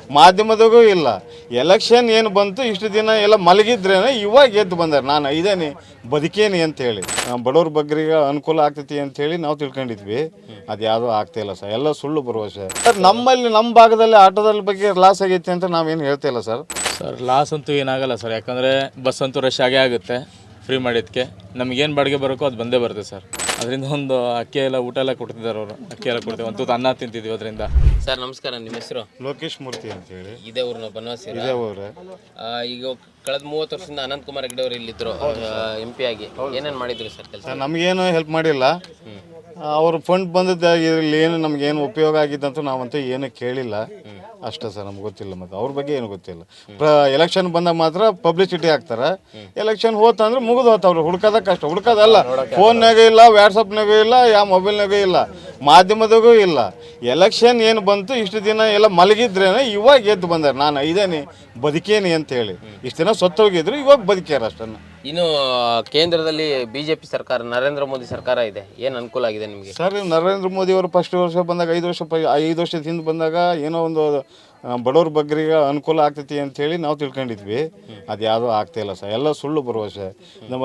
ಮಾಧ್ಯಮದಾಗೂ ಇಲ್ಲ. ಎಲೆಕ್ಷನ್ ಏನು ಬಂತು ಇಷ್ಟು ದಿನ ಎಲ್ಲ ಮಲಗಿದ್ರೇನೆ ಇವಾಗ ಎದ್ದು ಬಂದಾರೆ. ನಾನು ಇದೇನೆ ಬದುಕೇನಿ ಅಂತೇಳಿ ಬಡವ್ರ ಬಗ್ಗರಿಗೆ ಅನುಕೂಲ ಆಗ್ತೈತಿ ಅಂತೇಳಿ ನಾವು ತಿಳ್ಕೊಂಡಿದ್ವಿ. ಅದು ಯಾವುದೂ ಆಗ್ತಾಯಿಲ್ಲ ಸರ್, ಎಲ್ಲ ಸುಳ್ಳು ಭರವಸೆ ಸರ್. ನಮ್ಮಲ್ಲಿ ನಮ್ಮ ಭಾಗದಲ್ಲಿ ಆಟೋದಲ್ಲಿ ಬಗ್ಗೆ ಲಾಸ್ ಆಗೈತೆ ಅಂತ ನಾವೇನು ಹೇಳ್ತಾಯಿಲ್ಲ ಸರ್. ಲಾಸ್ ಅಂತೂ ಏನಾಗಲ್ಲ ಸರ್, ಯಾಕಂದರೆ ಬಸ್ ಅಂತೂ ರಶ್ ಆಗೇ ಆಗುತ್ತೆ. ಫ್ರೀ ಮಾಡಿದ್ದಕ್ಕೆ ನಮಗೇನು ಬಾಡಿಗೆ ಬರೋಕ್ಕೋ ಅದು ಬಂದೇ ಬರುತ್ತೆ ಸರ್. ಅದರಿಂದ ಒಂದು ಅಕ್ಕಿ ಎಲ್ಲ ಊಟ ಎಲ್ಲ ಕೊಡ್ತಿದ್ದಾರೆ ಅವರು. ಅಕ್ಕಿ ಎಲ್ಲ ಕೊಡ್ತೀವಿ, ಒಂದು ಅನ್ನ ತಿಂತಿದ್ದೀವಿ ಅದರಿಂದ. ಸರ್ ನಮಸ್ಕಾರ, ನಿಮ್ಮ ಹೆಸರು? ಲೋಕೇಶ್ ಮೂರ್ತಿ ಅಂತೇಳಿ. ಇದೇ ಊರಿನ ಬನವಾಸಿ. ಇದೇ ಊರೇ. ಈಗ ಕಳೆದ 30 ವರ್ಷದಿಂದ ಅನಂತಕುಮಾರ್ ಹೆಗಡೆ ಅವರು ಇಲ್ಲಿದ್ದರು MP ಆಗಿ. ಏನೇನು ಮಾಡಿದ್ರು ಸರ್ ಕೆಲಸ? ನಮಗೇನು ಹೆಲ್ಪ್ ಮಾಡಿಲ್ಲ. ಅವ್ರ ಫಂಡ್ ಬಂದದ್ದಾಗಿರಲಿ ಏನು ನಮಗೇನು ಉಪಯೋಗ ಆಗಿದ್ದಂತೂ ನಾವಂತೂ ಏನು ಕೇಳಿಲ್ಲ ಅಷ್ಟೇ ಸರ್. ನಮ್ಗೆ ಗೊತ್ತಿಲ್ಲ, ಮತ್ತು ಅವ್ರ ಬಗ್ಗೆ ಏನು ಗೊತ್ತಿಲ್ಲ. ಎಲೆಕ್ಷನ್ ಬಂದಾಗ ಮಾತ್ರ ಪಬ್ಲಿಸಿಟಿ ಹಾಕ್ತಾರೆ. ಎಲೆಕ್ಷನ್ ಹೋತಂದ್ರೆ ಮುಗಿದು ಹೋತವ್ರು. ಹುಡ್ಕೋದ ಕಷ್ಟ, ಹುಡ್ಕೋದಲ್ಲ. ಫೋನ್ನಾಗೂ ಇಲ್ಲ, ವಾಟ್ಸಪ್ನಾಗೂ ಇಲ್ಲ, ಯಾವ ಮೊಬೈಲ್ನಾಗೂ ಇಲ್ಲ, ಮಾಧ್ಯಮದಾಗೂ ಇಲ್ಲ. ಎಲೆಕ್ಷನ್ ಏನು ಬಂತು ಇಷ್ಟು ದಿನ ಎಲ್ಲ ಮಲಗಿದ್ರೇನೆ ಇವಾಗ ಎದ್ದು ಬಂದಾರೆ. ನಾನು ಇದೇನೆ ಬದುಕೇನಿ ಅಂತೇಳಿ. ಇಷ್ಟು ದಿನ ಸತ್ತೋಗಿದ್ರು, ಇವಾಗ ಬದುಕ್ಯಾರ ಅಷ್ಟನ್ನು. ಇನ್ನು ಕೇಂದ್ರದಲ್ಲಿ BJP ಸರ್ಕಾರ, ನರೇಂದ್ರ ಮೋದಿ ಸರ್ಕಾರ ಇದೆ. ಏನು ಅನುಕೂಲ ಆಗಿದೆ ನಿಮಗೆ ಸರ್? ನರೇಂದ್ರ ಮೋದಿ ಅವರು ಫಸ್ಟ್ ವರ್ಷ ಬಂದಾಗ 5 ವರ್ಷದ ಹಿಂದೆ ಬಂದಾಗ ಏನೋ ಒಂದು ಬಡವ್ರ ಬಗ್ಗರಿಗೆ ಅನುಕೂಲ ಆಗ್ತೈತಿ ಅಂತೇಳಿ ನಾವು ತಿಳ್ಕೊಂಡಿದ್ವಿ. ಅದು ಯಾವುದೂ ಆಗ್ತಾಯಿಲ್ಲ ಸರ್, ಎಲ್ಲ ಸುಳ್ಳು ಭರವಸೆ. ನಮ್ಮ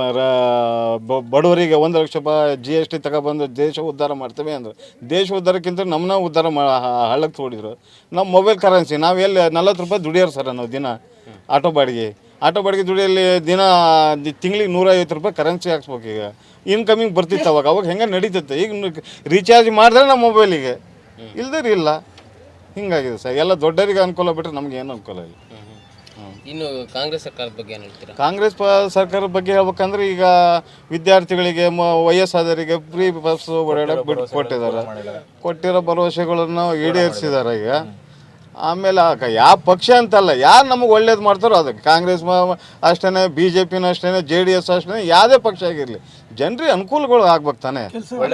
ಬಡವರಿಗೆ 1 ಲಕ್ಷ ರೂಪಾಯಿ GST ತಗೊಬಂದು ದೇಶ ಉದ್ಧಾರ ಮಾಡ್ತೇವೆ ಅಂದ್ರೆ, ದೇಶ ಉದ್ಧಾರಕ್ಕಿಂತ ನಮ್ಮನ್ನ ಉದ್ಧಾರ ಹಳ್ಳಕ್ಕೆ ತೋಡಿದ್ರು. ನಮ್ಮ ಮೊಬೈಲ್ ಕರೆನ್ಸಿ ನಾವು ಎಲ್ಲಿ 40 ರೂಪಾಯಿ ದುಡಿಯೋರು ಸರ್ ನಾವು ದಿನ. ಆಟೋ ಬಾಡಿಗೆ ದುಡಿಯಲ್ಲಿ ದಿನ ತಿಂಗಳಿಗೆ 150 ರೂಪಾಯಿ ಕರೆನ್ಸಿ ಹಾಕ್ಸ್ಬೇಕು. ಈಗ ಇನ್ಕಮಿಂಗ್ ಬರ್ತಿತ್ತು ಅವಾಗ ಹೆಂಗೆ ನಡೀತೈತೆ. ಈಗ ರೀಚಾರ್ಜ್ ಮಾಡಿದ್ರೆ ನಮ್ಮ ಮೊಬೈಲಿಗೆ, ಇಲ್ದೇ ಇಲ್ಲ. ಹಿಂಗಾಗಿದೆ ಸರ್. ಎಲ್ಲ ದೊಡ್ಡರಿಗೆ ಅನುಕೂಲ ಬಿಟ್ಟರೆ ನಮ್ಗೆ ಏನು ಅನುಕೂಲ ಇಲ್ಲ. ಇನ್ನು ಕಾಂಗ್ರೆಸ್ ಸರ್ಕಾರದ ಬಗ್ಗೆ ಏನು ಹೇಳ್ತೀರಾ? ಕಾಂಗ್ರೆಸ್ ಸರ್ಕಾರದ ಬಗ್ಗೆ ಹೇಳ್ಬೇಕಂದ್ರೆ ಈಗ ವಿದ್ಯಾರ್ಥಿಗಳಿಗೆ ವಯಸ್ಸಾದವರಿಗೆ ಫ್ರೀ ಬಸ್ ಓಡಾಡೋಕೆ ಕೊಟ್ಟಿರೋ ಭರವಸೆಗಳನ್ನು ಈಡೇರಿಸಿದ್ದಾರೆ ಈಗ. ಆಮೇಲೆ ಯಾವ ಪಕ್ಷ ಅಂತಲ್ಲ, ಯಾರು ನಮಗೆ ಒಳ್ಳೇದು ಮಾಡ್ತಾರೋ ಅದಕ್ಕೆ. ಕಾಂಗ್ರೆಸ್ ಅಷ್ಟೇ, BJPನೂ ಅಷ್ಟೇ, JDS ಅಷ್ಟೇ, ಯಾವುದೇ ಪಕ್ಷ ಆಗಿರಲಿ ಜನರಿಗೆ ಅನುಕೂಲಗಳು ಆಗ್ಬೇಕು ತಾನೆ.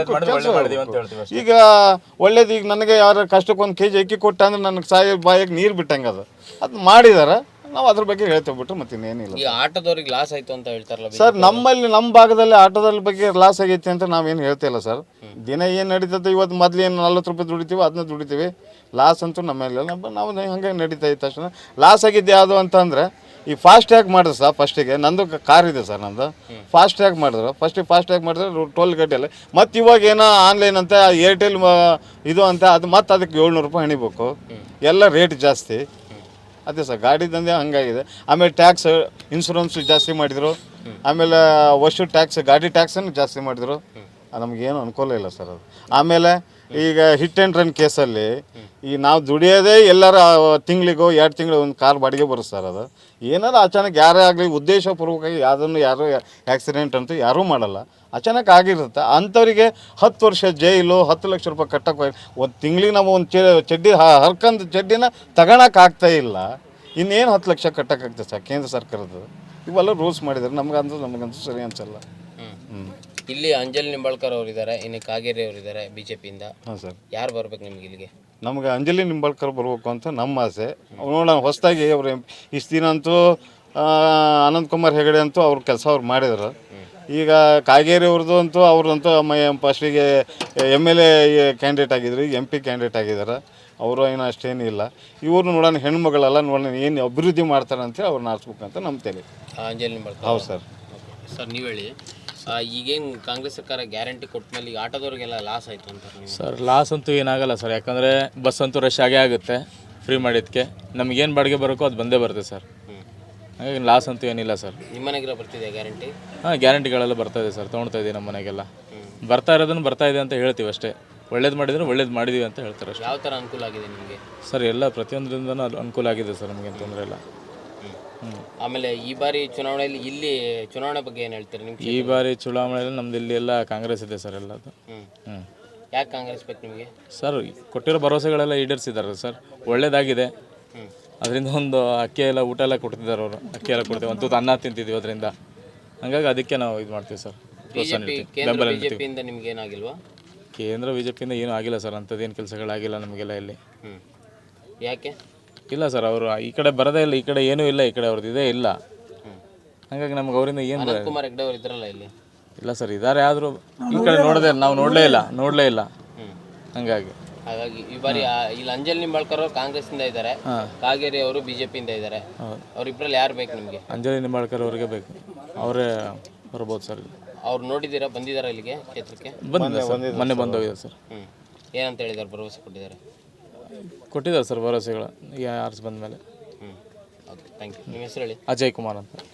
ಈಗ ಒಳ್ಳೇದು, ಈಗ ನನಗೆ ಯಾರು ಕಷ್ಟಕ್ಕೆ 1 kg ಅಕ್ಕಿ ಕೊಟ್ಟ ಅಂದ್ರೆ ನನಗೆ ಬಾಯಿಗೆ ನೀರು ಬಿಟ್ಟಂಗೆ ಅದು ಮಾಡಿದಾರೆ. ನಾವು ಅದ್ರ ಬಗ್ಗೆ ಹೇಳ್ತೇವೆ ಬಿಟ್ಟು ಮತ್ತೆ ಇನ್ನೇನಿಲ್ಲ. ಈ ಆಟೋದವ್ರಿಗೆ ಲಾಸ್ ಆಯಿತು ಅಂತ ಹೇಳ್ತಾರಲ್ಲ ಸರ್? ನಮ್ಮ ಭಾಗದಲ್ಲಿ ಆಟೋದಲ್ಲಿ ಬಗ್ಗೆ ಲಾಸ್ ಆಗೈತೆ ಅಂತ ನಾವೇನು ಹೇಳ್ತಾಯಿಲ್ಲ ಸರ್. ದಿನ ಏನು ನಡೀತದೆ, ಇವತ್ತು ಮೊದಲು ಏನು 40 ರೂಪಾಯಿ ದುಡಿತೀವಿ, ಅದನ್ನ ದುಡಿತೀವಿ. ಲಾಸ್ ಅಂತೂ ನಮ್ಮೆಲ್ಲ ನಾವು ಹಂಗೆ ನಡೀತಾ ಇತ್ತು ತಕ್ಷಣ. ಲಾಸ್ ಆಗಿದ್ದು ಯಾವುದು ಅಂತಂದರೆ ಈ ಫಾಸ್ಟ್ಯಾಗ್ ಮಾಡಿದ್ರು ಸರ್. ಫಸ್ಟಿಗೆ ನಂದು ಕಾರ್ ಇದೆ ಸರ್, ನಂದು ಫಾಸ್ಟ್ಯಾಗ್ ಮಾಡಿದ್ರು. ಫಾಸ್ಟ್ಯಾಗ್ ಮಾಡಿದ್ರೆ ಟೋಲ್ ಗಡ್ಡೆಲ್ಲ. ಮತ್ತು ಇವಾಗ ಏನೋ ಆನ್ಲೈನ್ ಅಂತ ಏರ್ಟೆಲ್ ಇದು ಅಂತ, ಅದು ಮತ್ತು ಅದಕ್ಕೆ 700 ರೂಪಾಯಿ ಹಣಿಬೇಕು. ಎಲ್ಲ ರೇಟ್ ಜಾಸ್ತಿ. ಅದೇ ಸರ್, ಗಾಡಿ ದಂಧೆ ಹಂಗಾಗಿದೆ. ಆಮೇಲೆ ಟ್ಯಾಕ್ಸ್, ಇನ್ಶೂರೆನ್ಸ್ ಜಾಸ್ತಿ ಮಾಡಿದರು. ಆಮೇಲೆ ವರ್ಷ ಟ್ಯಾಕ್ಸ್, ಗಾಡಿ ಟ್ಯಾಕ್ಸನ್ನು ಜಾಸ್ತಿ ಮಾಡಿದರು. ನಮಗೇನು ಅನುಕೂಲ ಇಲ್ಲ ಸರ್ ಅದು. ಆಮೇಲೆ ಈಗ ಹಿಟ್ ಆ್ಯಂಡ್ ರನ್ ಕೇಸಲ್ಲಿ ಈ ನಾವು ದುಡಿಯೋದೇ ಎಲ್ಲರ ತಿಂಗಳಿಗೋ 2 ತಿಂಗಳು ಒಂದು ಕಾರ್ ಬಾಡಿಗೆ ಬರುತ್ತೆ ಸರ್. ಅದು ಏನಾದ್ರು ಅಚಾನಕ್ ಯಾರೇ ಆಗಲಿ ಉದ್ದೇಶಪೂರ್ವಕವಾಗಿ ಯಾರು ಆ್ಯಕ್ಸಿಡೆಂಟ್ ಅಂತೂ ಯಾರೂ ಮಾಡಲ್ಲ. ಅಚಾನಕ್ ಆಗಿರುತ್ತೆ. ಅಂಥವ್ರಿಗೆ 10 ವರ್ಷ ಜೈಲು, 10 ಲಕ್ಷ ರೂಪಾಯಿ ಕಟ್ಟಕ್ಕೆ. ಒಂದು ತಿಂಗಳಿಗೆ ನಾವು ಒಂದು ಚಡ್ಡಿ ಹರ್ಕಂದು ಚಡ್ಡಿನ ತಗೊಳಕ್ಕಾಗ್ತಾ ಇಲ್ಲ. ಇನ್ನೇನು 10 ಲಕ್ಷ ಕಟ್ಟೋಕ್ಕಾಗ್ತದೆ ಸರ್ ಕೇಂದ್ರ ಸರ್ಕಾರದ್ದು. ಇವೆಲ್ಲ ರೂಲ್ಸ್ ಮಾಡಿದ್ದಾರೆ. ನಮಗಂತೂ ಸರಿ ಅನ್ಸಲ್ಲ. ಇಲ್ಲಿ ಅಂಜಲಿ ನಿಂಬಾಳ್ಕರ್ ಅವರಿದ್ದಾರೆ, ಇನ್ನು ಕಾಗೇರಿ ಅವರಿದ್ದಾರೆ BJPಯಿಂದ. ಹಾಂ ಸರ್. ಯಾರು ಬರ್ಬೇಕು ನಿಮ್ಗೆ ಇಲ್ಲಿಗೆ? ನಮಗೆ ಅಂಜಲಿ ನಿಂಬಾಳ್ಕರ್ ಬರಬೇಕು ಅಂತ ನಮ್ಮ ಆಸೆ. ನೋಡೋಣ, ಹೊಸದಾಗಿ ಅವರು ಇಷ್ಟು ದಿನ ಅಂತೂ ಅನಂತಕುಮಾರ್ ಹೆಗಡೆ ಅಂತೂ ಅವ್ರ ಕೆಲಸ ಅವ್ರು ಮಾಡಿದ್ರು. ಈಗ ಕಾಗೇರಿ ಅವ್ರದ್ದು ಅಂತೂ ಅವ್ರದಂತೂ ಫಸ್ಟಿಗೆ MLA ಕ್ಯಾಂಡಿಡೇಟ್ ಆಗಿದ್ರು, ಈಗ MP ಕ್ಯಾಂಡಿಡೇಟ್ ಆಗಿದ್ದಾರೆ. ಅವರು ಏನೋ ಅಷ್ಟೇನಿಲ್ಲ. ಇವರು ನೋಡೋಣ, ಹೆಣ್ಮಗಳೆಲ್ಲ ನೋಡೋಣ ಏನು ಅಭಿವೃದ್ಧಿ ಮಾಡ್ತಾರೆ ಅಂತೇಳಿ ಅವ್ರನ್ನ ಆರಿಸ್ಬೇಕಂತ ನಮ್ಮ ತಲೆ. ಅಂಜಲಿ ನಿಂಬಾಳ್ಕರ್. ಹೌದು ಸರ್. ಸರ್ ನೀವು ಹೇಳಿ, ಈಗೇನು ಕಾಂಗ್ರೆಸ್ ಸರ್ಕಾರ ಗ್ಯಾರಂಟಿ ಕೊಟ್ಟ ಮೇಲೆ ಈಗ ಆಟೋದವ್ರಿಗೆಲ್ಲ ಲಾಸ್ ಆಯಿತು ಅಂತ ಸರ್? ಲಾಸ್ ಅಂತೂ ಏನಾಗಲ್ಲ ಸರ್, ಯಾಕಂದರೆ ಬಸ್ ಅಂತೂ ರಶ್ ಆಗೇ ಆಗುತ್ತೆ. ಫ್ರೀ ಮಾಡಿದ್ದಕ್ಕೆ ನಮಗೇನು ಬಾಡಿಗೆ ಬರೋಕ್ಕೋ ಅದು ಬಂದೇ ಬರುತ್ತೆ ಸರ್. ಹಾಗಾಗಿ ಲಾಸ್ ಅಂತೂ ಏನಿಲ್ಲ ಸರ್. ನಿಮ್ಮ ಮನೆಗೆಲ್ಲ ಬರ್ತಿದೆ ಗ್ಯಾರಂಟಿ? ಹಾಂ, ಗ್ಯಾರಂಟಿಗಳೆಲ್ಲ ಬರ್ತಾ ಇದೆ ಸರ್, ತೊಗೊಳ್ತಾ ಇದ್ದೀವಿ. ನಮ್ಮ ಮನೆಗೆಲ್ಲ ಬರ್ತಾ ಇರೋದನ್ನು ಬರ್ತಾ ಇದೆ ಅಂತ ಹೇಳ್ತೀವಿ ಅಷ್ಟೇ. ಒಳ್ಳೇದು ಮಾಡಿದರೆ ಒಳ್ಳೇದು ಮಾಡಿದ್ದೀವಿ ಅಂತ ಹೇಳ್ತಾರೆ ಅಷ್ಟೇ. ಯಾವ ಥರ ಅನುಕೂಲ ಆಗಿದೆ ನಿಮಗೆ ಸರ್? ಎಲ್ಲ ಪ್ರತಿಯೊಂದರಿಂದನೂ ಅನುಕೂಲ ಆಗಿದೆ ಸರ್, ನಮಗೇನು ತೊಂದರೆ ಇಲ್ಲ. ಆಮೇಲೆ ಈ ಬಾರಿ ಚುನಾವಣೆಯಲ್ಲಿ ಇಲ್ಲಿ ಚುನಾವಣೆ ಬಗ್ಗೆ ಏನು ಹೇಳ್ತೀರಿ ನಿಮ್ಮ? ಈ ಬಾರಿ ಚುನಾವಣೆಯಲ್ಲಿ ನಮ್ದು ಇಲ್ಲಿ ಎಲ್ಲ ಕಾಂಗ್ರೆಸ್ ಇದೆ ಸರ್, ಎಲ್ಲದು. ಯಾಕೆ ಕಾಂಗ್ರೆಸ್ ಬೇಕು ನಿಮಗೆ? ಸರ್, ಕೊಟ್ಟಿರೋ ಭರವಸೆಗಳೆಲ್ಲ ಈಡೇರಿಸಿದ್ದಾರೆ ಸರ್, ಒಳ್ಳೇದಾಗಿದೆ. ಅದರಿಂದ ಒಂದು ಅಕ್ಕಿ ಎಲ್ಲ ಊಟ ಎಲ್ಲ ಕೊಡ್ತಿದ್ದಾರೆ ಅವರು. ಅಕ್ಕಿ ಎಲ್ಲ ಕೊಡ್ತೀವಿ, ಒಂದು ಅನ್ನ ತಿಂತಿದ್ದೀವಿ ಅದರಿಂದ. ಹಾಗಾಗಿ ಅದಕ್ಕೆ ನಾವು ಇದು ಮಾಡ್ತೀವಿ ಸರ್. BJPಯಿಂದ ನಿಮ್ಗೆ ಏನಾಗಿಲ್ವಾ? ಕೇಂದ್ರ BJPಯಿಂದ ಏನೂ ಆಗಿಲ್ಲ ಸರ್, ಅಂಥದ್ದೇನು ಕೆಲಸಗಳಾಗಿಲ್ಲ ನಮಗೆಲ್ಲ ಇಲ್ಲಿ. ಯಾಕೆ? ಇಲ್ಲ ಸರ್, ಅವರು ಈ ಕಡೆ ಬರೋದೇ ಇಲ್ಲ, ಈ ಕಡೆ ಏನೂ ಇಲ್ಲ, ಈ ಕಡೆ ಅವ್ರದ್ದು ಇದೇ ಇಲ್ಲ. ಹಾಗಾಗಿ ನಮ್ಗೆ ಅವರಿಂದ ಏನು ಅನಂತಕುಮಾರ್ ಹೆಗಡೆ ಅವರು ಇದ್ರಲ್ಲ ಇಲ್ಲಿ? ಇಲ್ಲ ಸರ್, ಇದ್ದಾರೆ, ಆದರೂ ಈ ಕಡೆ ನಾವು ನೋಡಲೇ ಇಲ್ಲ. ಹಾಗಾಗಿ ಹಾಗಾಗಿ ಈ ಬಾರಿ ಇಲ್ಲಿ ಅಂಜಲ್ ನಿಂಬಾಳ್ಕರ್ ಅವರು ಕಾಂಗ್ರೆಸ್ಸಿಂದ ಇದ್ದಾರೆ, ಕಾಗೇರಿ ಅವರು ಬಿಜೆಪಿಯಿಂದ ಇದ್ದಾರೆ. ಅವ್ರಿಬ್ರಲ್ಲಿ ಯಾರು ಬೇಕು ನಿಮಗೆ? ಅಂಜಲಿ ನಿಂಬಾಳ್ಕರ್ ಅವ್ರಿಗೆ ಬೇಕು, ಅವರೇ ಬರ್ಬೋದು ಸರ್. ಅವ್ರು ನೋಡಿದ್ದೀರಾ, ಬಂದಿದ್ದಾರಾ ಇಲ್ಲಿಗೆ ಕ್ಷೇತ್ರಕ್ಕೆ? ಬಂದಿದೆ ಸರ್, ಮೊನ್ನೆ ಬಂದೋಗಿದೆ ಸರ್. ಏನಂತ ಹೇಳಿದ್ದಾರೆ, ಭರವಸೆ ಕೊಟ್ಟಿದ್ದಾರೆ? ಕೊಟ್ಟಿದ್ದಾರೆ ಸರ್ ಭರವಸೆಗಳು, ಯಾರು ಬಂದ ಮೇಲೆ. Okay, thank you. ನಿಮ್ಮ ಹೆಸರು ಹೇಳಿ? ಅಜಯ್ ಕುಮಾರ್ ಅಂತ.